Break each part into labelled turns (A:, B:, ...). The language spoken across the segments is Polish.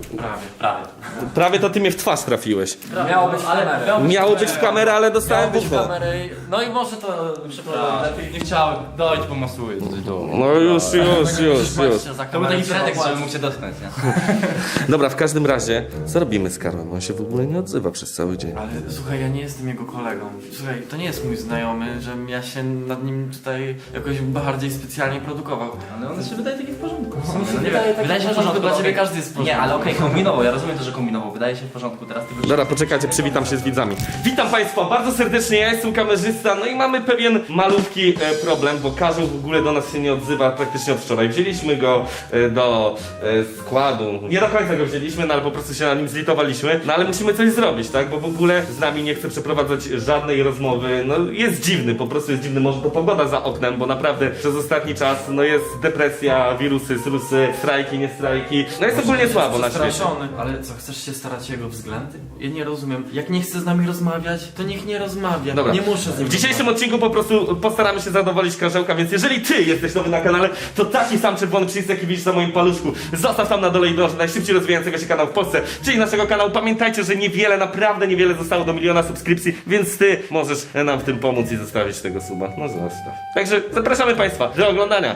A: Prawie.
B: Prawie to ty mnie w twarz trafiłeś.
A: Miało być w kamerę.
B: Miało być w kamerę, ale dostałem
A: Miało być w
B: buchę.
A: kamerę. No i może to przeprowadzę lepiej.
C: Nie chciałem, dojdź pomasuję.
B: No już.
A: To był taki pretekst, żeby mógł
C: cię dotknąć, nie?
B: Dobra, w każdym razie, co robimy z Karłem? On się w ogóle nie odzywa przez cały dzień.
D: Ale słuchaj, ja nie jestem jego kolegą. Słuchaj, to nie jest mój znajomy, żebym ja się nad nim tutaj jakoś bardziej specjalnie produkował.
C: Ale on się wydaje taki w porządku.
A: Wydaje się, że
D: Dla ciebie każdy jest w porządku.
C: Nie, ale okej, kombinował, ja rozumiem to, że kombinował. Wydaje się w porządku, teraz tylko...
B: Dobra, poczekajcie, przywitam się z widzami. Witam Państwa bardzo serdecznie, ja jestem kamerzysta, no i mamy pewien malutki problem, bo Karzeł w ogóle do nas się nie odzywa praktycznie od wczoraj. Wzięliśmy go do składu, nie do końca go wzięliśmy, no ale po prostu się na nim zlitowaliśmy, no ale musimy coś zrobić, tak, bo w ogóle z nami nie chce przeprowadzać żadnej rozmowy, no jest dziwny, po prostu jest dziwny, może to pogoda za oknem, bo naprawdę przez ostatni czas, no jest depresja, wirusy, srusy, strajki, nie strajki, no jest ogólnie słabo na świecie.
D: Straszony. Ale co, chcesz się starać o jego względy? Ja nie rozumiem. Jak nie chce z nami rozmawiać, to niech nie rozmawia.
B: Dobra.
D: Nie muszę z nim
B: W dzisiejszym odcinku po prostu postaramy się zadowolić Karzełka, więc jeżeli ty jesteś nowy na kanale, to taki sam czerwony przycisk, jaki widzisz na moim paluszku, zostaw tam na dole i dąż do najszybciej rozwijającego się kanału w Polsce, czyli naszego kanału. Pamiętajcie, że niewiele, naprawdę niewiele zostało do 1 000 000 subskrypcji, więc ty możesz nam w tym pomóc i zostawić tego suba. No zostaw. Także zapraszamy Państwa do oglądania.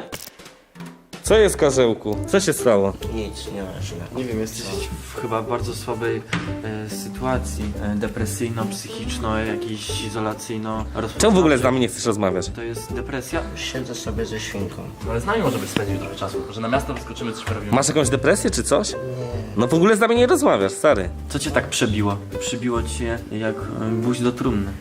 B: Co jest, Karzełku? Co się stało?
E: Nic, nie ma źle.
D: Nie wiem, jesteś w chyba bardzo słabej sytuacji depresyjno-psychiczno, jakiejś izolacyjno.
B: Czemu w ogóle z nami nie chcesz rozmawiać?
D: To jest depresja?
E: Siedzę sobie ze świnką.
C: Ale z nami może być spędził trochę czasu, że na miasto wyskoczymy, coś porobimy.
B: Masz jakąś depresję czy coś? No w ogóle z nami nie rozmawiasz, stary.
D: Co cię tak przebiło? Przybiło cię jak gwóźdź do trumny.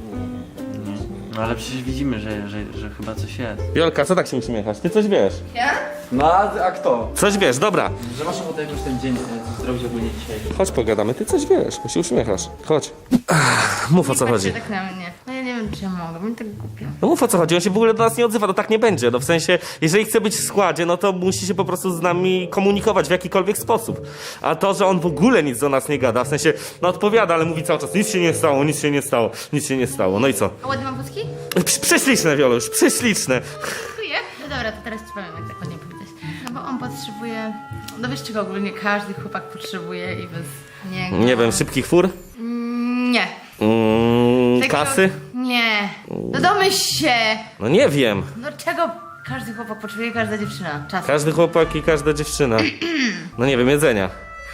D: Nie. No ale przecież widzimy, że chyba coś jest.
B: Jolka, co tak się uśmiechasz? Ty coś wiesz.
C: No, a kto?
B: Coś wiesz, dobra.
C: Że masz ochotę jakoś ten dzień zrobić ogólnie dzisiaj.
B: Chodź pogadamy, ty coś wiesz, bo się uśmiechasz. Chodź. Mów o co chodzi.
F: Tak na mnie. No ja nie wiem, czy ja mogę, mi tak głupio.
B: No mów o co chodzi, on się w ogóle do nas nie odzywa, to tak nie będzie. No w sensie, jeżeli chce być w składzie, no to musi się po prostu z nami komunikować w jakikolwiek sposób. A to, że on w ogóle nic do nas nie gada, w sensie, no odpowiada, ale mówi cały czas, nic się nie stało, nic się nie stało, nic się nie stało. No i co?
F: A ładnie mam wózki?
B: Prześliczne, Wioluś, prześliczne.
F: Dziękuję. No dobra, to teraz ci powiem, jak tak ładnie powiedzieć. No bo on potrzebuje... No wiesz czego ogólnie każdy chłopak potrzebuje i bez niego...
B: Nie wiem, szybkich fur?
F: Nie. Takiego-
B: Kasy?
F: Nie. No domyśl się!
B: No nie wiem.
F: No czego każdy chłopak potrzebuje, każda dziewczyna? Czas.
B: Każdy chłopak i każda dziewczyna. No nie wiem, jedzenia.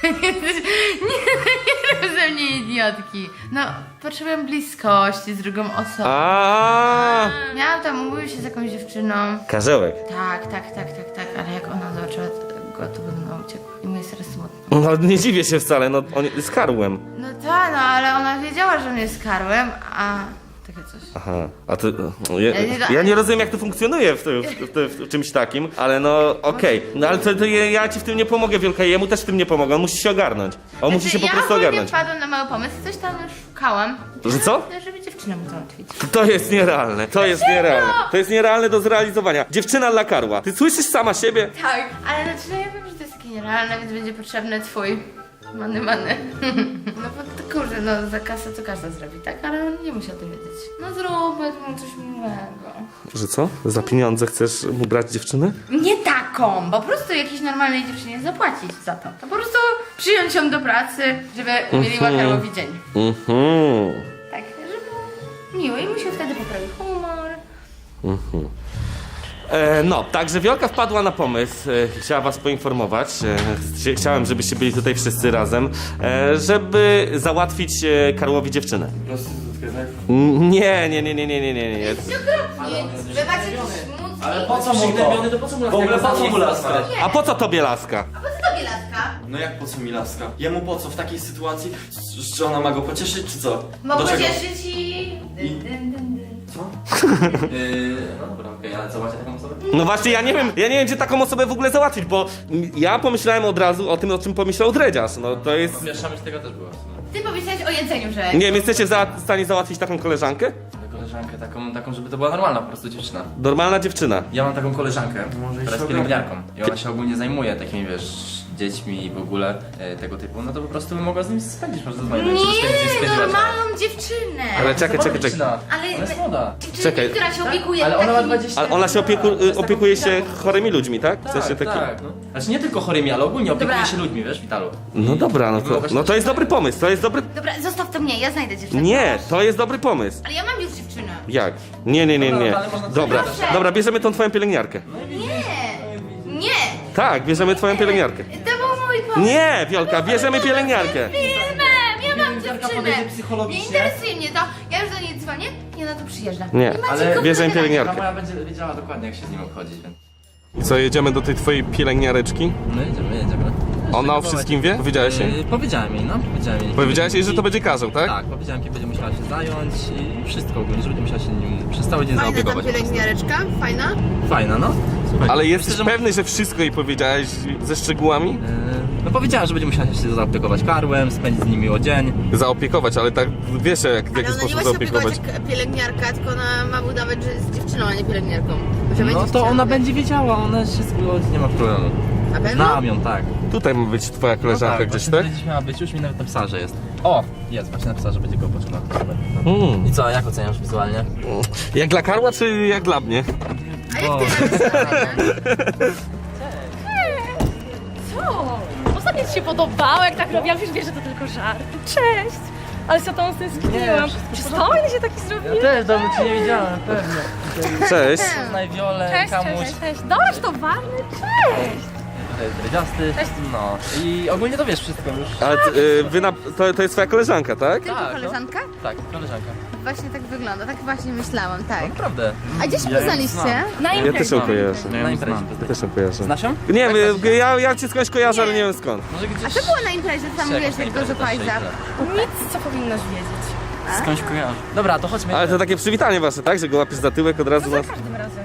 F: Nie rób ze mnie idiotki. No, potrzebuję bliskości z drugą osobą. Miałam tam umówić się z jakąś dziewczyną.
B: Karzełek.
F: Tak, ale jak ona zobaczyła go, to będę uciekł. I mu jest teraz smutno.
B: No nie dziwię się wcale, no on jest karłem.
F: No tak, no ale ona wiedziała, że on jest karłem, a... Takie coś.
B: Aha, a ty... Ja nie rozumiem, jak to funkcjonuje w czymś takim, ale no okej. No ale to ja ci w tym nie pomogę, Wielka, jemu też w tym nie pomogę, on musi się ogarnąć. On musi się po prostu ogarnąć.
F: Ja wpadłam na mały pomysł, coś tam już szukałam.
B: Że co?
F: Żeby dziewczynę mu załatwić.
B: To jest nierealne, to jest nierealne. To jest nierealne do zrealizowania. Dziewczyna dla karła. Ty słyszysz sama siebie?
F: Tak, ale znaczy no ja wiem, że to jest takie nierealne, więc będzie potrzebny twój many. No bo to kurde, no za kasę to każda zrobi, tak? Ale on nie musi o tym wiedzieć. No zróbmy mu coś miłego.
B: Że co? Za pieniądze chcesz mu brać dziewczynę?
F: Nie taką, po prostu jakiejś normalnej dziewczynie zapłacić za to. To po prostu przyjąć ją do pracy, żeby umieliła Karłowi dzień. Tak, żeby miło i mu się wtedy poprawi humor.
B: No, także Wiolka wpadła na pomysł, chciała was poinformować, chciałem, żebyście byli tutaj wszyscy razem, żeby załatwić Karłowi dziewczynę.
D: Prostytutkę, tak?
B: Nie.
F: Wy macie smutki.
C: Ale po co mu to?
A: po co mu
C: W ogóle po co mu laska?
B: A po co tobie laska?
F: A po co tobie laska?
D: No jak po co mi laska? Jemu po co w takiej sytuacji? Czy ona ma go pocieszyć, czy co?
F: Bo
D: Do czego?
F: pocieszyć i...
C: No dobra, okej, ale co macie taką osobę?
B: No właśnie, ja nie wiem, gdzie taką osobę w ogóle załatwić, bo ja pomyślałem od razu o tym, o czym pomyślał Dredziarz, no to jest...
C: Pierwsza myśl tego też była.
F: Ty powiedziałeś o jedzeniu, że...
B: Nie wiem, jesteście w stanie załatwić taką koleżankę?
C: Koleżankę taką, żeby to była normalna po prostu dziewczyna.
B: Normalna dziewczyna.
C: Ja mam taką koleżankę,
D: Może
C: która jest
D: się
C: pielęgniarką i ona się ogólnie zajmuje takimi, wiesz, dziećmi i w ogóle tego typu, no to po prostu bym mogła z nim spędzić, może zadzwonić.
F: Nie, normalną dziewczynę.
B: Ale czekaj.
F: Ale
C: Ona jest młoda.
F: dziewczynę,
B: Czekaj.
F: która się opiekuje
C: Ale ona ma
F: takimi...
C: 20
B: Ale ona się opiekuje się chorymi ludźmi, tak? W sensie taki...
C: Tak. No. Znaczy nie tylko chorymi, ale ogólnie opiekuje
F: Dobra.
C: się ludźmi, wiesz, w Witalu.
B: No dobra, no to jest dobry pomysł, to jest dobry...
F: Dobra, zostaw to mnie, ja znajdę dziewczynę.
B: Nie, to jest dobry pomysł.
F: Ale ja mam już dziewczynę.
B: Jak? Nie.
C: Dobra, ale można
B: Dobra,
F: Proszę.
B: dobra, bierzemy tą twoją pielęgniarkę.
F: Nie,
B: Tak, bierzemy twoją pielęgniarkę.
F: to był mój pomysł.
B: Nie, Wiolka, bierzemy pielęgniarkę.
F: Filmem, ja mam dziewczynę.
C: podejdzie
F: Nie
C: psychologicznie.
F: interesuje mnie to. Ja już do niej dzwonię i ona tu przyjeżdża.
B: Nie,
F: macie
C: ale
F: kompletnie
B: bierzemy
F: rację.
B: pielęgniarkę.
C: Moja będzie wiedziała dokładnie, jak się z nim obchodzić, więc...
B: I co, jedziemy do tej twojej pielęgniareczki?
C: No jedziemy.
B: Ona o wszystkim wie? Powiedziałeś jej?
C: Powiedziałem jej, no.
B: Powiedziałeś jej, że to będzie Karzeł, tak?
C: Tak, powiedziałem, kiedy będzie musiała się zająć i wszystko ogólnie, że będzie musiała się nim przez cały dzień
G: Fajna ta
C: zaopiekować.
G: pielęgniareczka, fajna?
C: Fajna, no. Słuchaj,
B: Ale jesteś
C: myślę, że-
B: pewny, że wszystko jej powiedziałeś ze szczegółami?
C: No powiedziałem, że będzie musiała się zaopiekować karłem, spędzić z nim miło dzień.
B: Zaopiekować, ale tak wiesz jak, w
G: Ale
B: jaki
G: ona nie
B: sposób
G: ma się opiekować
B: zaopiekować.
G: jak pielęgniarka, tylko ona ma udawać, że jest dziewczyną, a nie pielęgniarką. Że
C: No
G: będzie
C: to ona
G: dziewczyną.
C: będzie wiedziała, ona się zgodzi, nie ma problemu.
G: Na pewno?
C: Znam ją, tak.
B: Tutaj ma być twoja koleżanka gdzieś,
C: właśnie
B: tak?
C: tutaj gdzieś miała być, już mi nawet napisała, że jest. O, jest, właśnie napisała, że będzie go poczynał. I co, jak oceniasz wizualnie?
B: Jak dla Karła, czy jak dla mnie?
G: A jak ty napisałeś?
H: Co? Ostatnio ci się podobało, jak tak robiłam, już wiesz, że to tylko żart. Cześć! Ale za tą stęskniłam. Przystojny się taki zrobił.
C: Też dawno cię nie widziałem, pewnie.
B: Cześć.
C: Poznaj Wiolę,
H: Cześć,
C: Kamuś.
H: cześć. Dobra, to ważny, cześć!
C: Tutaj dredziasty.
H: Cześć.
C: No. I ogólnie to wiesz wszystko już.
B: Ale to jest twoja koleżanka, tak?
F: Tylko
C: Tak, no.
F: koleżanka?
C: Tak, koleżanka.
F: Właśnie tak wygląda, tak właśnie myślałam, tak.
C: Naprawdę.
F: A gdzie się poznaliście?
H: Na
B: Ja też ją
H: imprezie.
B: kojarzę.
C: Na imprezie.
B: Ja też ją kojarzę.
C: Znasz ją?
B: Nie wiem, ja cię skądś kojarzę, ale nie wiem skąd.
C: Może gdzieś...
F: A co było na imprezie? Tam mówiłeś, jak dużo pajza.
H: Nic, co powinnaś wiedzieć.
D: Skądś kojarzę.
C: Dobra, to chodźmy.
B: Ale to takie przywitanie wasze, tak? Że go łapiesz za tyłek od razu
H: No
B: na...
H: za każdym razem.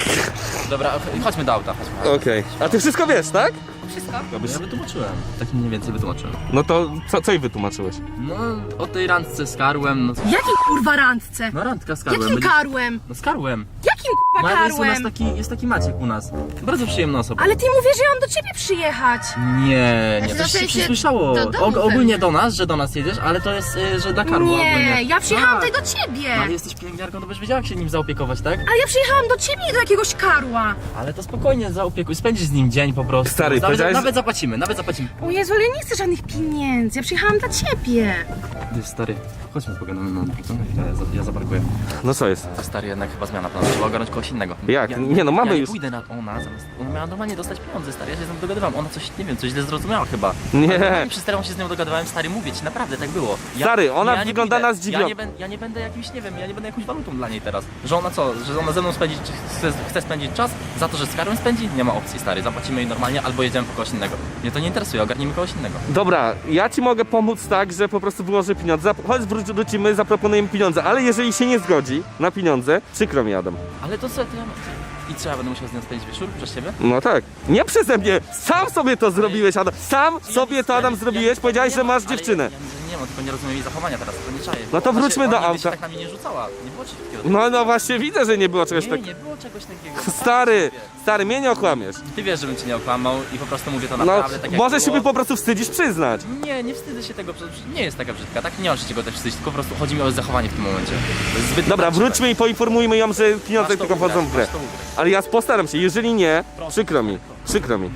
C: Dobra, chodźmy do auta, chodźmy.
B: Okej. A ty wszystko wiesz, tak?
H: Wszystko.
C: Ja wytłumaczyłem. Tak mniej więcej wytłumaczyłem.
B: No to co jej wytłumaczyłeś?
C: No, o tej randce z Karłem, no co?
G: Jakim kurwa randce?
C: No randka z Karłem.
G: Jakim
C: będzie-
G: karłem?
C: No z Karłem.
G: Jakim kurwa
C: No, jest u nas
G: karłem?
C: jest taki Maciek u nas. Bardzo przyjemna osoba.
G: Ale ty mówisz, że on do ciebie przyjechać.
C: Nie,
F: Znaczy,
C: to
F: w
C: się
F: sensie
C: przysłyszało.
F: do domu
C: Ogólnie
F: pewnie.
C: do nas, że do nas jedziesz, ale to jest, że dla Karła ogólnie.
G: Nie, ja przyjechałam
C: Tak.
G: tutaj do ciebie.
C: No, ale jesteś pielęgniarką, to byś wiedziała, jak się nim zaopiekować, tak?
G: Ale ja przyjechałam do ciebie, nie do jakiegoś karła.
C: Ale to spokojnie zaopiekuj, spędzisz z nim dzień po prostu.
B: Stary, powiedziałeś,
C: nawet zapłacimy, nawet zapłacimy.
G: O Jezu, ale ja nie chcę żadnych pieniędzy, ja przyjechałam dla ciebie.
C: Ty stary, chodźmy pogadamy na dwóch, ja zaparkuję.
B: No co jest?
C: To stary, jednak chyba zmiana planu, trzeba ogarnąć kogoś innego.
B: Jak? Nie, no mamy
C: ja nie
B: już.
C: pójdę na ona, zamiast, ona miała normalnie dostać pieniądze, stary, ja się z nią dogadywałem, ona coś, nie wiem, coś źle zrozumiała chyba.
B: Nie.
C: Ale normalnie przez telefon się z nią dogadywałem, stary, mówię ci, naprawdę tak było.
B: Stary, ona
C: nie
B: wygląda
C: pójdę.
B: na zdziwiona.
C: Ja nie będę jakimś, nie wiem, ja nie będę jakąś walutą dla niej teraz. Że ona co, że ona ze mną spędzi, czy chce spędzić czas, za to, że z Karłem spędzi, nie ma opcji, stary, zapłacimy jej normalnie, albo jedziemy po kogoś innego. Mnie to nie interesuje, ogarnijmy kogoś innego.
B: Dobra, ja ci mogę pomóc tak, że po prostu wyłożę pieniądze. Chodź, wrócimy, zaproponujemy pieniądze, ale jeżeli się nie zgodzi na pieniądze, przykro mi, Adam.
C: Ale to co, to ja... I co, ja będę musiał z nią spędzić wieczór przez ciebie?
B: No tak. Nie przeze mnie! Sam sobie to zrobiłeś, Adam. Sam sobie to, Adam, zrobiłeś. Powiedziałeś, że masz dziewczynę.
C: Ja nie mam, tylko nie rozumiem jej zachowania teraz, to nie czaję.
B: No to
C: Ona
B: wróćmy
C: się,
B: do
C: ona nigdy się
B: auta.
C: tak na mnie nie rzucała, nie było czegoś takiego.
B: No właśnie widzę, że nie było czegoś
C: Nie,
B: takiego.
C: nie było czegoś takiego.
B: Stary, mnie nie okłamiesz.
C: Ty wiesz, żebym cię nie okłamał i po prostu mówię to
B: No,
C: naprawdę tak jak
B: może
C: było.
B: się po prostu wstydzisz przyznać.
C: Nie wstydzę się tego, przecież nie jest taka brzydka, tak? Nie mam się czego też wstydzić, tylko po prostu chodzi mi o zachowanie w tym momencie. To jest zbyt
B: Dobra,
C: nadużyte.
B: wróćmy i poinformujmy ją, że pieniądze
C: Masz to
B: tylko
C: ugrać,
B: wchodzą w grę.
C: masz to ugrać.
B: Ale ja postaram się, jeżeli nie, przykro mi.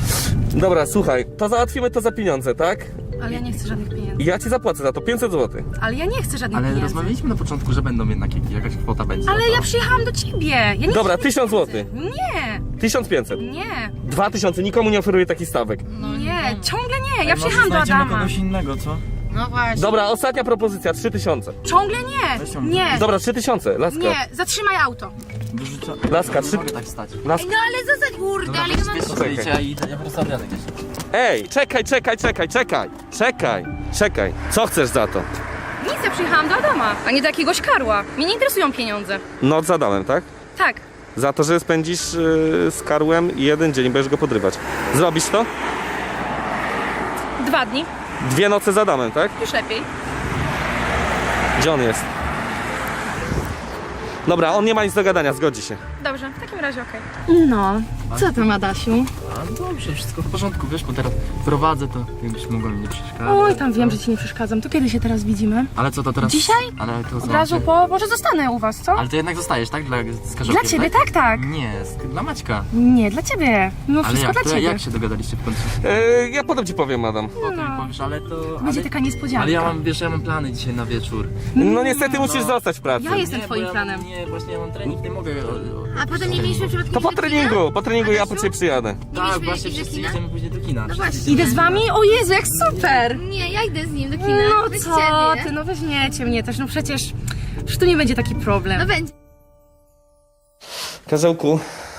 B: Dobra, słuchaj, to załatwimy to za pieniądze, tak?
G: Ale ja nie chcę żadnych pieniędzy.
B: I ja ci zapłacę za to 500 zł.
G: Ale ja nie chcę żadnych
C: Ale
G: pieniędzy.
C: rozmawialiśmy na początku, że będą jednak jakaś kwota będzie.
G: Ale ja przyjechałam do ciebie. Ja nie
B: Dobra,
G: chcę
B: 1000 zł.
G: Nie,
B: 1500.
G: nie,
B: 2000, nikomu nie oferuję takich stawek.
G: nie, ciągle nie. Ja przyjechałam do Adama.
C: innego, co?
G: No właśnie.
B: Dobra, ostatnia propozycja, 3000.
G: Ciągle nie. Nie,
B: Dobra, 3000, laska.
G: nie, zatrzymaj auto.
C: Wyrzucę.
B: Laska,
C: Nie mogę tak stać.
B: Laska.
F: No ale zostań, kurde, ale ja mam...
C: Wiesz co, zdjęcia i ja po prostu odjadę gdzieś.
B: Ej, czekaj. Co chcesz za to?
H: Nic, ja przyjechałam do Adama, a nie do jakiegoś karła. Mnie nie interesują pieniądze.
B: Noc zadałem, tak?
H: Tak.
B: Za to, że spędzisz z Karłem 1 dzień, będziesz go podrywać. Zrobisz to?
H: 2 dni.
B: 2 noce za damem, tak?
H: Już lepiej.
B: Gdzie on jest? Dobra, on nie ma nic do gadania, zgodzi się.
H: Dobrze, w takim razie okej.
G: No,
H: Co tam, Adasiu?
C: A dobrze, wszystko w porządku, wiesz, bo teraz prowadzę to, jakbyś mogła mi nie przeszkadzać.
H: Oj, tam wiem, że ci nie przeszkadzam. To kiedy się teraz widzimy?
C: Ale co to teraz?
H: Dzisiaj?
C: Ale to
H: Od razu po... Może zostanę u was, co?
C: Ale ty jednak zostajesz, tak? Z Karzełkiem,
H: Dla ciebie, tak.
C: Nie, dla Maćka.
H: Nie, dla ciebie. No
C: Ale
H: wszystko
C: jak?
H: dla
C: To
H: ciebie.
C: jak się dogadaliście w końcu?
B: Ja potem ci powiem, Adam.
C: Potem mi powiesz, ale to...
H: Będzie taka niespodzianka.
C: Ale ja mam, wiesz, ja mam plany dzisiaj na wieczór.
B: No niestety musisz zostać w pracy.
H: Ja jestem
C: Nie,
H: twoim
C: bo ja,
H: planem.
C: Nie, właśnie ja mam trening, nie mogę...
G: A potem nie mieliśmy przypadkiem
B: To po
G: iść do kina?
B: treningu ja po ciebie przyjadę.
C: Tak,
G: mieliśmy
C: właśnie
G: iść do
C: wszyscy
G: kina?
C: idziemy później do kina.
G: No właśnie.
H: Idę z wami? O Jezu, jak super!
G: Nie, ja idę z nim do kina.
H: No
G: Bez
H: co
G: ciebie.
H: ty, no weźmiecie mnie też, no przecież tu nie będzie taki problem.
G: No będzie.
B: Karzełku,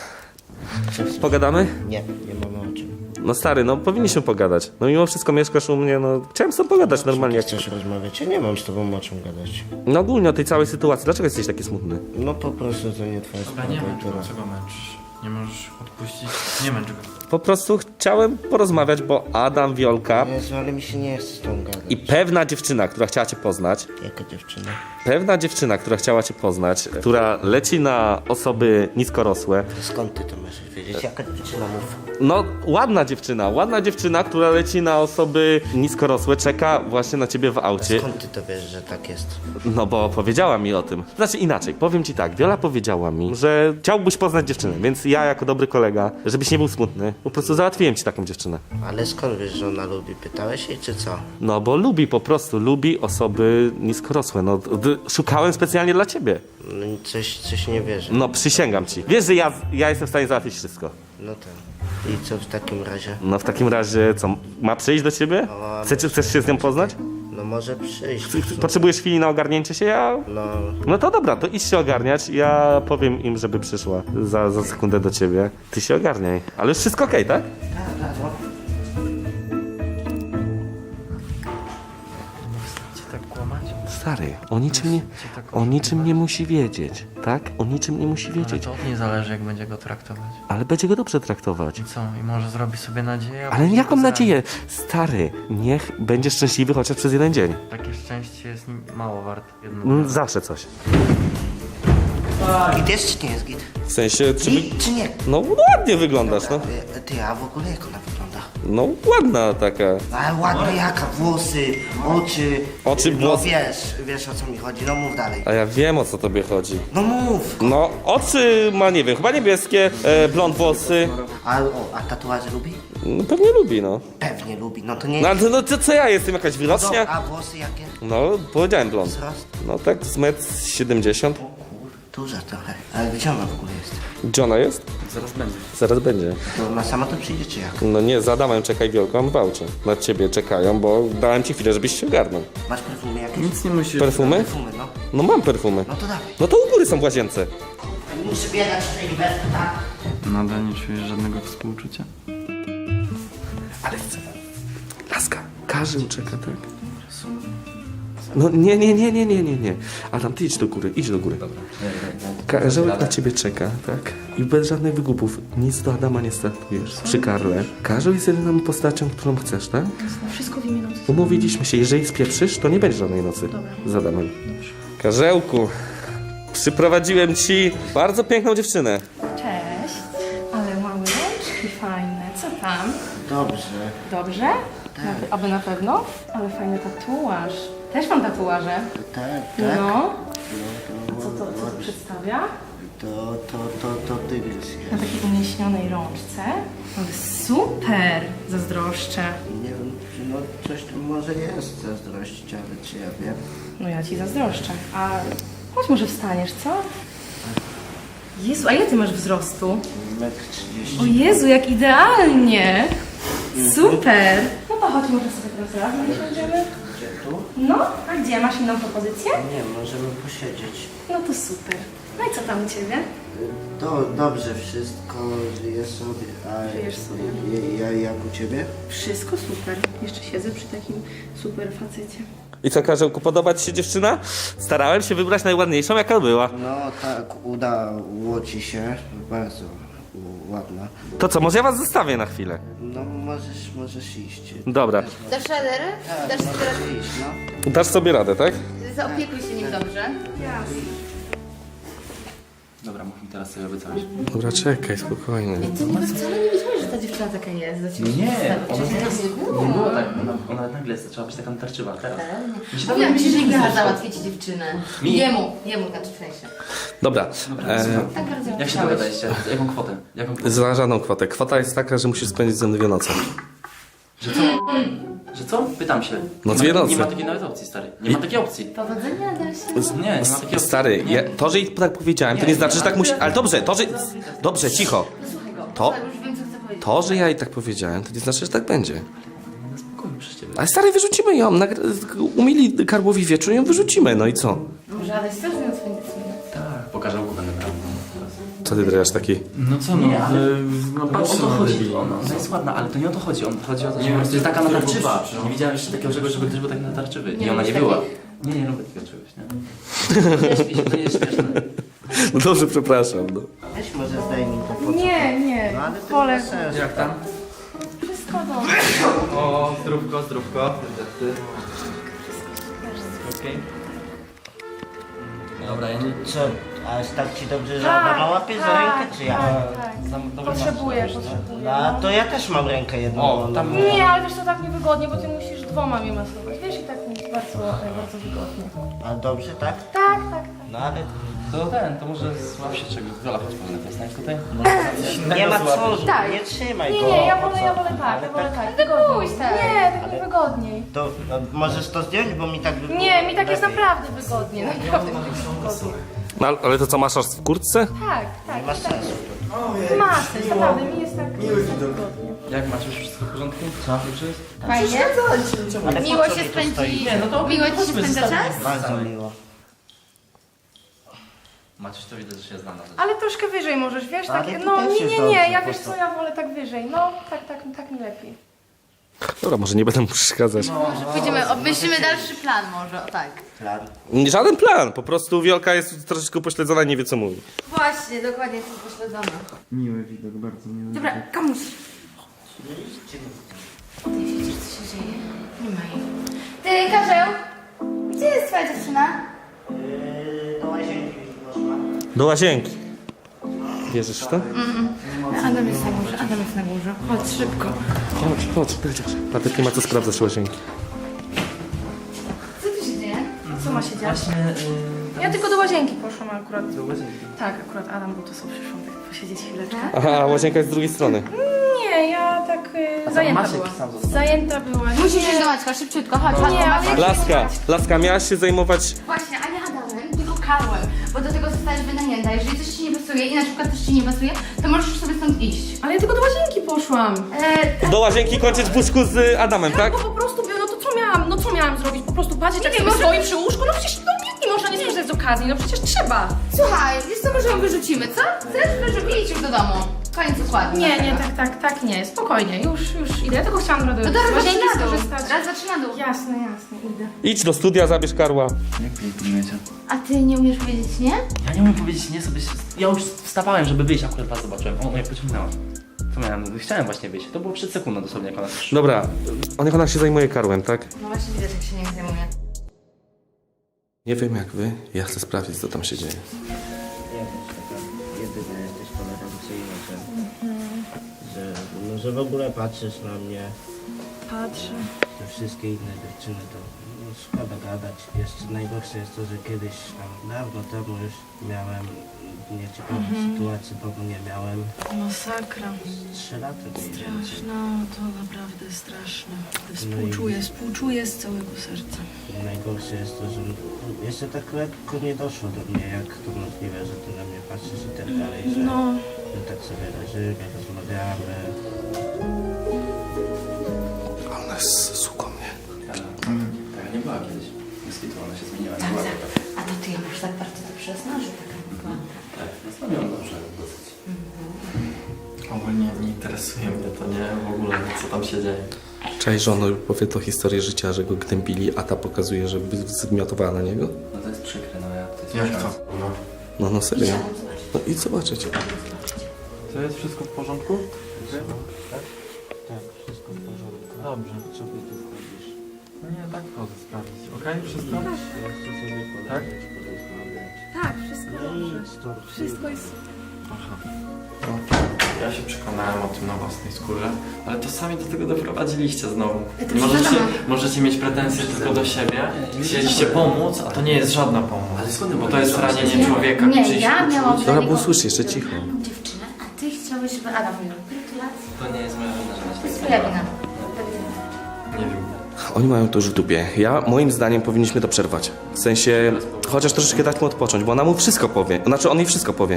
B: pogadamy?
E: Nie mamy o czym.
B: No stary, no powinniśmy pogadać. No mimo wszystko mieszkasz u mnie, no chciałem z tobą pogadać normalnie. Jak...
E: Chcesz rozmawiać? Ja nie mam z tobą o czym gadać.
B: No ogólnie o tej całej sytuacji. Dlaczego jesteś taki smutny?
E: No po prostu to nie twoja sprawa.
D: Nie męcz
E: która-
D: go, co go męczysz? Nie możesz odpuścić, nie męcz go.
B: Po prostu chciałem porozmawiać, bo Adam, Wiolka
E: Jezu, ale mi się nie chce z tą gadać.
B: i pewna dziewczyna, która chciała cię poznać,
E: Jaka dziewczyna?
B: która chciała cię poznać, która leci na osoby niskorosłe.
E: Skąd ty to możesz wiedzieć? Jaka dziewczyna mów?
B: No, ładna dziewczyna, która leci na osoby niskorosłe, czeka właśnie na ciebie w aucie.
E: Skąd ty to wiesz, że tak jest?
B: No bo powiedziała mi o tym. Znaczy inaczej, powiem ci tak, Wiola powiedziała mi, że chciałbyś poznać dziewczynę, więc ja jako dobry kolega, żebyś nie był smutny, po prostu załatwiłem ci taką dziewczynę.
E: Ale skąd wiesz, że ona lubi? Pytałeś jej, czy co?
B: No bo lubi osoby niskorosłe, no szukałem specjalnie dla ciebie.
E: No i coś nie wierzę.
B: No przysięgam ci. Wiesz, że ja jestem w stanie załatwić wszystko.
E: No tak. I co w takim razie?
B: No w takim razie co, ma przyjść do ciebie? Chcesz się z nią poznać?
E: No może przyjść.
B: Potrzebujesz chwili na ogarnięcie się? No to dobra, to idź się ogarniać. Ja powiem im, żeby przyszła za sekundę do ciebie. Ty się ogarniaj. Ale już wszystko okej, tak?
D: Cię tak kłamać?
B: Stary, o niczym nie musi wiedzieć, tak? O niczym nie musi
D: Ale
B: wiedzieć.
D: to od niej zależy, jak będzie go traktować.
B: Ale będzie go dobrze traktować.
D: I co? I może zrobi sobie nadzieję? a
B: Ale
D: później
B: jaką
D: go zrani.
B: nadzieję? Stary, niech będzie szczęśliwy chociaż przez jeden dzień.
D: Takie szczęście jest mało warte. Jedno
B: Zawsze coś.
E: Git jest czy nie jest git?
B: W sensie,
E: Git czy nie?
B: No ładnie wyglądasz, no.
E: Ty, a w ogóle jak ona wygląda?
B: No ładna taka.
E: Ale ładna jaka? Włosy, oczy.
B: Oczy,
E: No
B: włosy.
E: wiesz o co mi chodzi, no mów dalej.
B: A ja wiem, o co tobie chodzi.
E: No mów!
B: No, oczy ma, nie wiem, chyba niebieskie, blond włosy.
E: A tatuaże lubi?
B: No, pewnie lubi, no.
E: Pewnie lubi, no to nie
B: No, ale no to co ja jestem, jakaś wyrocznia?
E: A włosy jakie?
B: No, powiedziałem blond.
E: Wzrost?
B: No tak, z 1,70 m.
E: Duża trochę. Ale gdzie ona w ogóle jest?
B: Gdzie ona jest?
C: Zaraz będzie.
B: Zaraz będzie.
E: To ona sama to przyjdzie czy jak?
B: No nie, za Adamem czekaj Wielką, w aucie. Na ciebie czekają, bo dałem ci chwilę, żebyś się ogarnął.
E: Masz perfumy jakieś?
C: Nic nie musisz.
B: Perfumy?
E: Perfumy, no.
B: No mam perfumy.
E: No to dawaj.
B: No to u góry są w łazience.
E: Muszę biegać w tej inwesty, tak?
D: Nadal nie czujesz żadnego współczucia?
B: Ale chcę. Laska, każdy czeka, tak? No nie. Adam, ty idź do góry. Karzełek na ciebie czeka, tak? I bez żadnych wygłupów. Nic do Adama nie startujesz. Przy Karle. Karzeł jest jedyną postacią, którą chcesz, tak?
H: Wszystko w imię nocy.
B: Umówiliśmy się, jeżeli spieprzysz, to nie będzie żadnej nocy z Adamem. Karzełku, przyprowadziłem ci bardzo piękną dziewczynę.
H: Cześć. Ale małe rączki fajne. Co tam?
E: Dobrze.
H: Dobrze? Aby na pewno? Ale fajny tatuaż. Też mam tatuaże.
E: Tak.
H: No. A co to przedstawia?
E: To tygrys
H: Na
E: jest.
H: takiej umieśnionej rączce. Ale super! Zazdroszczę.
E: Nie wiem, no coś tu może jest zazdrościć, ale czy ja wiem?
H: No ja ci zazdroszczę. A chodź może wstaniesz, co? Jezu, a ile ty masz wzrostu?
E: 1,30
H: O
E: m.
H: Jezu, jak idealnie! Super! No to chodź, może sobie teraz razem siądziemy.
E: Gdzie tu?
H: No, a gdzie? Masz inną propozycję?
E: Nie, możemy posiedzieć.
H: No to super. No i co tam u ciebie?
E: Dobrze wszystko, żyję sobie. A
H: Żyjesz sobie.
E: jak u ciebie?
H: Wszystko super. Jeszcze siedzę przy takim super facecie.
B: I co, Karzełku, podoba ci się dziewczyna? Starałem się wybrać najładniejszą, jaka była.
E: No tak, udało ci się. Bardzo ładna.
B: To co, może ja was zostawię na chwilę?
E: No możesz iść.
B: Dobra.
G: Dasz radę? Dasz sobie radę?
E: Możesz iść, no.
B: Dasz sobie radę, tak?
F: Zaopiekuj się nim dobrze.
C: Dobra, mów mi teraz, co ja obiecałeś.
B: Dobra, czekaj, spokojnie.
F: Ty niby wcale nie wiedziałeś, że ta dziewczyna taka jest. Do ciebie
C: Nie,
F: ona
C: nie było tak, ona nagle zaczęła być taka natarczywa, teraz. Mi się
F: Mówiłam ci, że
C: nie
F: ja
C: zdarzyło.
F: załatwię ci dziewczynę.
C: Mi?
F: Jemu znaczy w sensie.
B: Dobra,
F: Tak bardzo
C: Jak się
F: chciałeś.
C: dogadaliście? Jaką kwotę? Jaką kwotę?
B: za żadną kwotę. Kwota jest taka, że musisz spędzić ze mną 2 noce.
C: Że co? Pytam się.
B: No
C: Nie
B: 2
C: ma-
B: noce.
C: Nie ma takiej nawet opcji, stary. Nie ma takiej opcji.
F: Powodzenia dalszego.
C: Nie, nie ma takiej opcji.
B: Stary,
C: Nie.
B: to, że jej tak powiedziałem, to nie znaczy, że tak musi... Ale dobrze, to, że... Dobrze, cicho.
F: Słuchaj go.
B: To-
F: Słuchaj, już wiem, co chcę powiedzieć.
B: To, że ja jej tak powiedziałem, to nie znaczy, że tak będzie.
C: No spokojnie, przez ciebie.
B: Ale stary, wyrzucimy ją. Umili Karłowi wieczór, ją wyrzucimy, no i co?
F: Może Adaś też nie spędzić
C: Tak, pokażę łuku będę brał.
B: Co ty drasz taki?
C: No co no, o to chodzi. Ona jest ładna, ale to nie o to chodzi. Chodzi o to, że po prostu jest taka natarczywa. Nie widziałem jeszcze takiego czegoś, żeby ktoś był tak natarczywy. I ona nie była. Nie lubię takiego czegoś, nie? Nie śpi się, to nie jest śmieszne.
B: No dobrze, przepraszam, no.
E: Weź może zdejmij to po co?
H: Nie,
E: No ale to
H: wolę.
E: bez sensu.
C: Jak tam?
H: Wszystko dobrze.
C: O, zdrówko. Okej. Dobra, ja nie...
E: Co? A tak ci dobrze, że Adama łapie za rękę, czy ja?
H: Tak. Potrzebuję.
E: No to ja też mam rękę jedną.
C: O,
E: wolną.
C: tam-
H: Nie, ale wiesz, to tak niewygodnie, bo ty musisz 2 mnie masować. Wiesz, i tak mi jest bardzo wygodnie.
E: A dobrze, tak?
H: Tak.
E: No ale
C: To może złap się czego. Zola, chodź powinna to jest tutaj.
E: nie ma co,
H: Tak.
E: nie trzymaj go.
H: Nie, ja
E: po
H: wolę
E: co?
H: tak,
E: Ale
H: ja wolę tak.
F: Tylko
H: Wygodniej.
F: pójdź, tak.
H: Nie, tak mi wygodniej.
E: To no, możesz to zdjąć, bo mi tak by było
H: Nie, mi tak jest
E: lepiej.
H: naprawdę wygodnie. Naprawdę mi tak jest wygodnie.
B: No, ale to co, masz aż w kurtce?
H: Tak.
E: Nie ma sensu.
H: Ma sens, naprawdę, mi jest tak wygodnie.
C: Jak masz już wszystko w porządku? Co? Już jest?
F: Fajnie?
E: Ale po
F: Miło
E: co
F: się
E: mi to stoi?
F: spędzi.
C: Nie, no to
F: Miło ci się
C: chodźmy,
F: spędza
C: zostawimy.
F: czas?
E: Bardzo miło.
C: Maciuś to widać, że się zna na rzecz.
H: Ale troszkę wyżej możesz, wiesz,
E: Ale
H: tak,
E: tu
H: no
E: też jest
H: nie,
E: dobrze,
H: ja
E: po
H: wiesz
E: prostu.
H: co, ja wolę tak wyżej, no tak mi lepiej.
B: Dobra, może nie będę mu przeszkadzać.
F: Pójdziemy, obmyślimy dalszy plan może, o tak.
E: Plan.
B: Żaden plan, po prostu Wiolka jest troszeczkę pośledzona i nie wie co mówi.
F: Właśnie, dokładnie jestem pośledzona.
D: Miły widok, bardzo miły.
F: Dobra, komuś. Ty widzisz, co się dzieje? Nie ma jej. Ty, Karzeł, gdzie jest twoja dziewczyna?
E: Do łazienki można.
B: Do łazienki. Wierzysz w to?
F: Adam jest na górze, Chodź szybko.
B: Chodź, przecież. Patryk nie ma co sprawdzać łazienki.
F: Co tu się dzieje?
H: Co ma się dziać?
C: Właśnie,
H: Ja tylko do łazienki poszłam akurat.
C: do łazienki.
H: Tak, akurat Adam był to sobie przyszłam tak posiedzieć chwileczkę.
B: Aha, a łazienka jest z drugiej strony.
H: Nie, ja tak zajęta
C: Maciek
H: była.
C: sam został.
H: Zajęta była.
F: Musisz iść do Maćka, szybciutko, chodź, chodź.
H: Nie, ale
B: Laska, miałaś się zajmować...
F: Właśnie, a nie Adamem, tylko Karłem, bo do tego zostałeś wynajęta. Jeżeli coś ci nie pasuje i na przykład coś ci nie pasuje, to możesz sobie stąd iść.
H: Ale ja tylko do łazienki poszłam.
B: Do łazienki kończyć w łóżku z Adamem, tak?
H: Bo po prostu, no to co miałam zrobić? Po prostu patrzeć jak
F: Nie,
H: sobie
F: może-
H: stoi przy łóżku? No przecież nie można nie skorzystać z okazji, no przecież trzeba.
F: Słuchaj, wiesz co, może ją wyrzucimy, co? Chcesz, żeby idź już do domu. Koniec układu.
H: Nie, tak, nie, spokojnie, już idę. Ja tylko chciałam
F: No
H: z
F: teraz
H: łazienki
F: zaczyna dół.
H: skorzystać.
F: Teraz zaczyna dół.
H: Jasne, idę.
B: Idź do studia, zabierz Karła.
C: Jak wy nie pilnujecie?
F: A ty nie umiesz powiedzieć nie?
C: Ja nie umiem powiedzieć nie sobie. Ja już wstawałem, żeby wyjść, akurat was zobaczyłem. O, jak pociągnęła. Co miałem? Chciałem właśnie wyjść. To było przed sekundą dosłownie, jak ona przyszła.
B: Dobra, niech ona się zajmuje Karłem, tak?
F: No właśnie widać, jak się nie zajmuje.
B: Nie wiem jak wy, ja chcę sprawdzić co tam się dzieje.
E: Jesteś taka jedyna, jesteś tolerancyjna, że w ogóle patrzysz na mnie.
H: Patrzę.
E: Te wszystkie inne dziewczyny to no, szkoda gadać. Jeszcze najgorsze jest to, że kiedyś tam dawno temu już miałem nieciekawe sytuacje, bo nie miałem
I: Masakra.
E: 3 lata.
I: Straszne, to naprawdę straszne.
E: No i-
I: Współczuję z całego serca.
E: Najgorsze jest to, że jeszcze tak lekko nie doszło do mnie, jak to możliwe, że ty na mnie patrzysz i tak dalej, że tak sobie leżymy, rozmawiamy.
B: A ona jest suką, nie?
C: Tak, nie była kiedyś. Moskitu, ona się zmieniła.
F: Tak, tak. A to ty ją masz tak bardzo dobrze znasz, że taka była.
C: Tak, nastawiam dobrze dosyć.
A: Ogólnie nie interesuje mnie to, nie? W ogóle, co tam się dzieje.
B: Cześć, że on powie to historię życia, że go gnębili, a ta pokazuje, że zmiotowała na niego.
C: No to jest przykre, no ja to jest
A: Jak
C: przykre.
A: to?
B: No serio. No i zobaczycie.
A: To jest wszystko w porządku?
E: Tak, wszystko w porządku.
A: Dobrze.
E: Co ty tu wchodzisz?
A: No nie, tak chodzę sprawdzić. Okej, wszystko?
E: Jeszcze sobie
A: Tak?
E: pogadać, porozmawiać.
H: Tak, wszystko dobrze.
E: No
H: Wszystko jest...
A: Aha. No, ja się przekonałem o tym na własnej skórze, ale to sami do tego doprowadziliście znowu.
F: to
A: Możecie,
F: przepraszam.
A: możecie mieć pretensje tylko do siebie. Chcieliście pomóc, a to nie jest żadna pomoc.
C: Ale skąd
A: Bo to jest ranienie człowieka.
F: Nie,
A: czyjś
F: ja
A: uczuć.
F: miałam
B: Dobra, bo usłysz jeszcze cicho.
F: fajną dziewczynę, a ty chciałeś, żeby Adam miał. Gratulacje.
C: To nie jest moja wina, że ona się
F: To jest
C: tak
F: twoja
C: zmieniła.
F: wina.
A: Nie wiem.
B: Oni mają to już w dupie. Moim zdaniem powinniśmy to przerwać. W sensie, chociaż troszeczkę dać mu odpocząć, bo ona mu wszystko powie. Znaczy, on jej wszystko powie.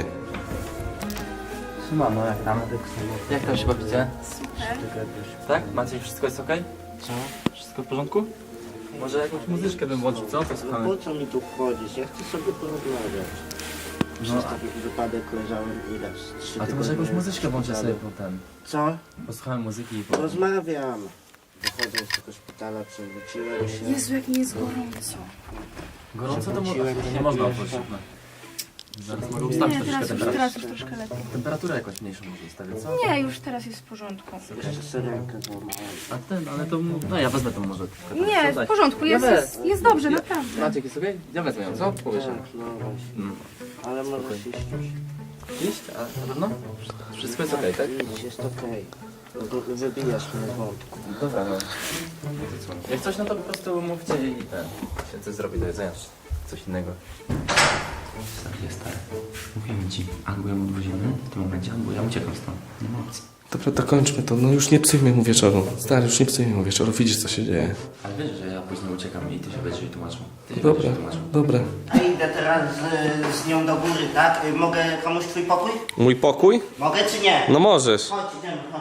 E: Mamo, jak tam?
C: Jak tam się bawicie?
H: Super.
C: Tak? Macie wszystko jest okej?
E: Co?
C: Wszystko w porządku? Może jakąś muzyczkę bym włączył, co? To
E: No
C: słuchamy.
E: po co mi tu wchodzisz? Ja chcę sobie porozmawiać. Przez taki wypadek leżałem ile? 3
C: A to może jakąś muzyczkę włączę sobie potem.
E: Co?
C: Posłuchałem muzyki i po...
E: Rozmawiam. Wychodzę z tego szpitala, przewróciłem się.
H: Jezu, jak mi jest gorąco.
C: Gorąco to
E: Przewróciłem się
C: nie można
E: pierwszy.
C: otworzyć okna. Zaraz mogę ustawić
H: Nie,
C: troszeczkę
H: teraz
C: temperaturę.
H: już troszkę lepiej.
C: Temperaturę jakąś mniejszą może ustawię, co?
H: Nie, już teraz jest w porządku.
E: Jeszcze sobie rękę złamałem.
C: Ale to... No ja wezmę to może.
H: Nie, w porządku, jest dobrze, naprawdę.
C: Maciek jest okej? Ja wezmę ją, co? Powiesz.
E: Tak, no właśnie. Ale możesz iść już.
C: Iść? A na pewno? Wszystko jest okej, tak?
E: Idź, jest okej. Wybijasz mnie z wątku.
C: Dobra, no. Jak coś, no to po prostu mówcie i ten. Się coś zrobi do jedzenia. Coś innego. Jest tak. Mówimy ci, albo ją odwozimy w tym momencie, albo ja uciekam stąd. Nie ma opcji.
B: Dobra, dokończmy to. No już nie psujmy mu wieczoru. Stary, już nie psujmy mu wieczoru. Widzisz, co się dzieje.
C: Ale wiesz, że ja później uciekam i ty się będziesz jej tłumaczył. Ty się
B: Dobra,
C: będziesz jej tłumaczył.
B: dobra.
J: A idę teraz z nią do góry, tak? Mogę komuś twój pokój?
B: Mój pokój?
J: Mogę czy nie?
B: No możesz.
J: Chodź, idziemy, chodź.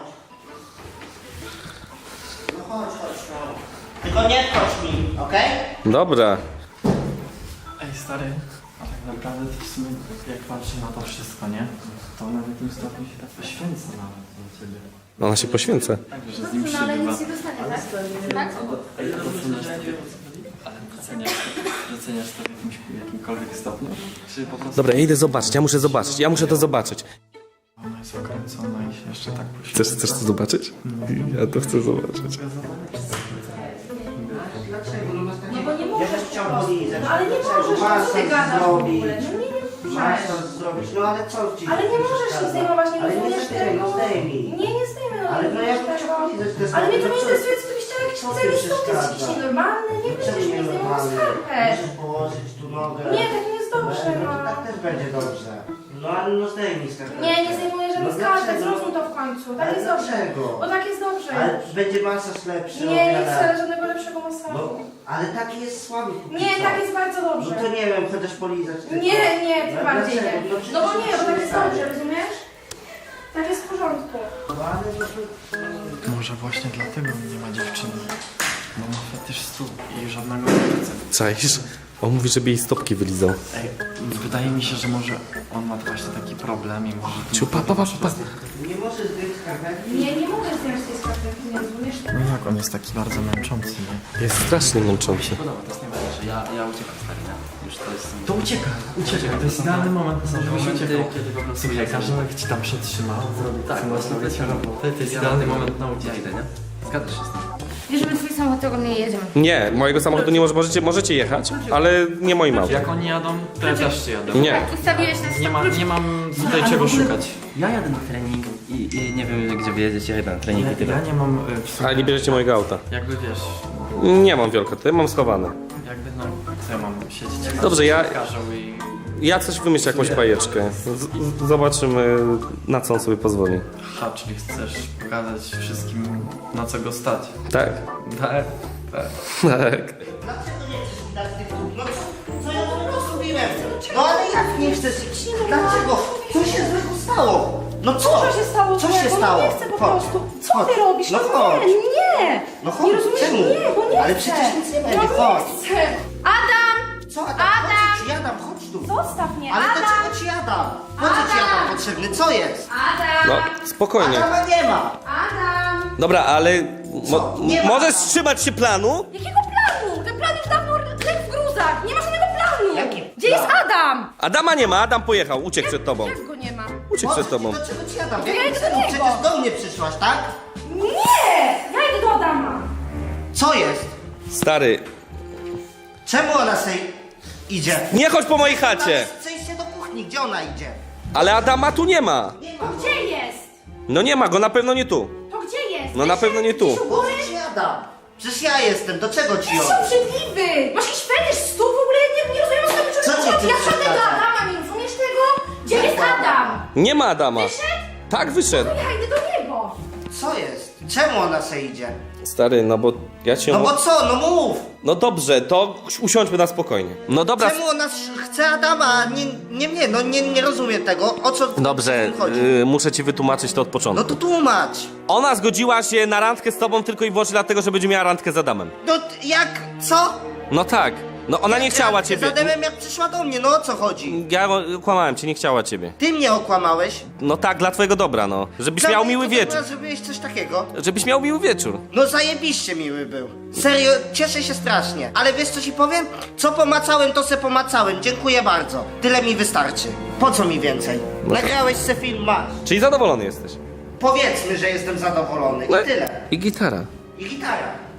J: No chodź, no. Tylko nie wchodź mi, okej?
B: Dobra.
A: Ej, stary, a tak naprawdę to w sumie, jak patrzę na to wszystko, nie? To ona w tym stopniu się tak poświęca nawet dla ciebie.
B: Ona się poświęca.
A: Tak, że z nim
F: No ale
A: przebywa.
F: nic nie dostanie, tak? Tak?
A: Ej, doceniasz to w jakimkolwiek stopniu? Czy po prostu...
B: Dobra, ja idę zobaczyć. Ja muszę zobaczyć. Ja muszę to zobaczyć.
A: Ona jest okręcona i się jeszcze tak poświęca.
B: Chcesz to zobaczyć? Ja to chcę zobaczyć.
H: No bo nie możesz.
J: Ja też chciał polizać.
H: No ale nie możesz,
J: Masz
H: co ty
J: to
H: gadasz w
J: zrobić.
H: ogóle? No nie
J: Masz
H: możesz.
J: to zrobić, no ale co ci?
H: Ale nie możesz się zdejmować, nie
J: Ale nie
H: rozumiesz
J: zdejmij,
H: tego.
J: zdejmij.
H: Nie zdejmę, no
J: Ale
H: nie
J: no ja
H: rozumiesz
J: bym chciał
H: tego.
J: polizać te
H: Ale mnie to nie
J: stopy,
H: interesuje, co ty byś chciał jakiś
J: co ty
H: cel istotny, jesteś
J: przeszkadza?
H: jakiś nienormalny, nie
J: Czemu
H: będziesz
J: nie
H: mnie zdejmował
J: normalny?
H: skarpet.
J: Możesz położyć tu nogę.
H: Nie, tak nie jest dobrze,
J: No to
H: no.
J: tak też będzie dobrze. No ale no zdejmij skarpetkę.
H: Nie, nie zdejmuję żadnych
J: No
H: skarpet,
J: dlaczego?
H: zrozum to w końcu. Tak
J: Ale
H: jest dobrze.
J: dlaczego?
H: Bo tak jest dobrze.
J: Ale będzie masaż lepszy o
H: Nie, nie
J: wiele.
H: chcę żadnego lepszego masażu.
J: No, ale taki jest słaby póki
H: Nie,
J: co.
H: tak jest bardzo
J: No
H: dobrze.
J: to nie wiem, chociaż polizać tylko.
H: Nie, nie,
J: No
H: tym
J: ale
H: bardziej nie.
J: dlaczego?
H: No bo
J: przecież
H: nie, bo tak jest
J: stary.
H: dobrze, rozumiesz? Tak jest w porządku.
J: No ale no to...
A: Może właśnie dlatego nie ma dziewczyny. Bo ma fetysz stóp i żadnego serca.
B: Czaisz? On mówi, żeby jej stopki wylizał.
A: Ej, wydaje mi się, że może on ma właśnie taki problem i może...
B: Ciu, pa.
J: Nie możesz zdjąć skarpetki?
H: Nie mogę zdjąć tej skarpetki, nie rozumiesz?
A: No jak on jest taki bardzo męczący, nie?
B: Jest strasznie męczący.
C: Podoba, to jest najważniejsze. Ja uciekam stary, nie? Już to jest...
A: To uciekaj, to jest idealny moment, żebyś
C: momenty,
A: uciekał.
C: kiedy po prostu...
A: Słuchaj, każdy ci tam przetrzymał, zrobił
C: Tak,
A: co
C: właśnie
A: robić robotę, to jest
C: Ja
A: idealny
C: mam-
A: moment na ucieczkę.
C: Ja idę, nie? Zgadzasz się z tym?
F: Bierzemy twój samochód, tego nie jedziemy.
B: Nie, mojego samochodu nie możecie jechać, ale nie moim autem.
A: Jak oni jadą, to ja też jadę.
B: Nie.
F: Ustawiłeś nas
A: Nie mam tutaj czego szukać.
C: Ja jadę na trening i nie wiem gdzie wy jedziecie, ja jadę na trening i tyle.
A: Ja nie mam w sumie,
B: Ale nie bierzecie mojego auta.
A: jakby wiesz,
B: Nie mam wielka, ty mam schowane.
A: jakby no, co ja mam siedzieć?
B: Dobrze, ja-
A: Każą i...
B: Ja coś wymyślę, jakąś bajeczkę. Zobaczymy, na co on sobie pozwoli.
A: Ha, czyli chcesz pokazać wszystkim, na co go stać.
B: Tak?
A: Tak, tak.
B: Tak.
J: Dlaczego nie chcesz mi dać tych dół? No co ja to zrobiłem? No ale jak nie chcesz? Dlaczego? Co się złego stało? No co?
H: Co się stało?
J: Co się
H: złego?
J: stało?
H: No nie chcę po
J: Chodź.
H: prostu. Co
J: Chodź.
H: ty robisz?
J: No
H: No
J: chodź.
H: nie, nie.
J: No
H: Nie
J: chodź,
H: rozumiesz?
J: czemu?
H: Nie, bo nie
J: Ale
H: chcę.
J: przecież nic nie będzie,
H: No
J: chodź.
H: nie chcę.
F: Adam!
J: Co Adam?
F: Adam!
J: Po co ci Adam? Chodź tu.
H: Zostaw mnie,
J: Ale
H: Adam.
J: dlaczego ci Adam? Po co ci Adam potrzebny? Co jest?
F: Adam!
B: No, spokojnie.
J: Adama nie ma.
F: Adam!
B: Dobra, ale
J: Co? Nie ma.
B: możesz trzymać się planu?
H: Jakiego planu? Ten plan już dawno legł w gruzach. Nie ma żadnego planu.
J: Jaki
H: Gdzie jest
J: plan?
H: Adam?
B: Adama nie ma, Adam pojechał, uciekł przed tobą.
H: Jak go nie ma?
B: Uciekł przed tobą.
J: Dlaczego ci Adam? W
H: Ja
J: jakim
H: idę do
J: celu?
H: niego.
J: Przecież do mnie przyszłaś, tak?
H: Nie! Ja idę do Adama.
J: Co jest?
B: Stary,
J: Czemu ona sobie idzie?
B: nie chodź po mojej chacie!
J: Przejdźcie do kuchni, gdzie ona idzie?
B: Ale Adama tu nie ma!
F: To gdzie jest?
B: No nie ma go, na pewno nie tu.
F: To gdzie jest?
B: No na pewno nie tu.
J: Boże, ci Adam. Przecież ja jestem, do czego ci
F: Jesteś
J: on?
F: obrzydliwy! Masz jakiś fetysz stóp w ogóle? Nie rozumiem, o co tobie
J: Co
F: człowiek
J: cię
F: chodzi. Ja
J: tym
F: żadnego
J: przeszkadza?
F: Adama, nie rozumiesz tego? Gdzie jest Adam?
B: Nie ma Adama.
F: Wyszedł?
B: Tak, wyszedł.
F: Ja idę do niego.
J: Co jest? Czemu ona sobie idzie?
B: Stary, no bo ja cię...
J: No bo co, no mów!
B: No dobrze, to usiądźmy na spokojnie. No dobra.
J: Czemu ona chce Adama, a nie mnie? No nie rozumiem tego, o co
B: Dobrze,
J: w tym chodzi?
B: muszę ci wytłumaczyć to od
J: No
B: początku.
J: to tłumacz.
B: Ona zgodziła się na randkę z tobą tylko i wyłącznie dlatego, że będzie miała randkę z Adamem.
J: No jak? Co?
B: No tak. No ona nie chciała
J: Jak
B: ciebie.
J: Z Adamem jak przyszła do mnie, no o co chodzi?
B: Ja kłamałem cię, nie chciała ciebie.
J: Ty mnie okłamałeś.
B: No tak, dla twojego dobra, no. Żebyś
J: Dla
B: miał
J: mnie
B: miły
J: to
B: wieczór.
J: dobra, Zrobiłeś coś takiego.
B: Żebyś miał miły wieczór.
J: No zajebiście miły był. Serio, cieszę się strasznie. Ale wiesz co ci powiem? Co pomacałem, to se pomacałem. Dziękuję bardzo. Tyle mi wystarczy. Po co mi więcej? Nagrałeś se film, masz.
B: Czyli zadowolony jesteś.
J: Powiedzmy, że jestem zadowolony. I
B: No
J: tyle.
B: I gitara.
J: I gitara.